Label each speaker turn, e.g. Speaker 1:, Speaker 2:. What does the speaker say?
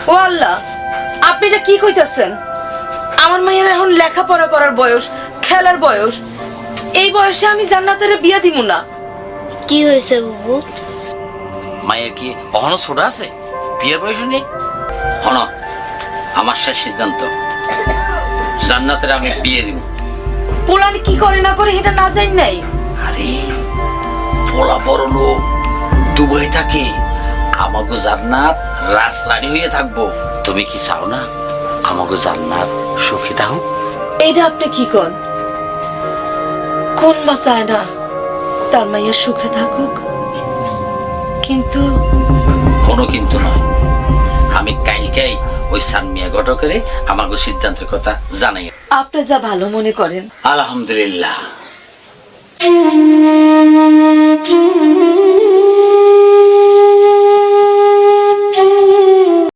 Speaker 1: ও আল্লাহ, আপনি এটা কি কইতাছেন? আমার মায়ের এখন লেখাপড়া করার বয়স, খেলার বয়স। এই বয়সে আমি জান্নাতের বিয়া দিব না।
Speaker 2: কি হয়েছে বাবু?
Speaker 3: মায়ের কি অহনো ছোট আছে, বিয়ের বয়স নেই? হন, আমার শেষ সিদ্ধান্ত, জান্নাতের আমি বিয়ে দিব।
Speaker 1: পোলানি কি করে না করে এটা না জানি নাই।
Speaker 3: আরে পোলা বড় লোক, দুবাই থাকে, আমাকে জান্নাত রাজরানী হয়ে থাকবো। তুমি কি চাও না আমাকে জান্নাত সুখী থাকো?
Speaker 1: এইটা আপনি কি কন? কোন মা চায় না তার মাইয়া সুখে থাকুক? কিন্তু
Speaker 3: কোনো কিন্তু নয়, আমি কালকেই ওই সানমিয়া ঘটকের আমাকে সিদ্ধান্তের কথা জানাই।
Speaker 1: আপনি যা ভালো মনে করেন।
Speaker 3: আলহামদুলিল্লাহ।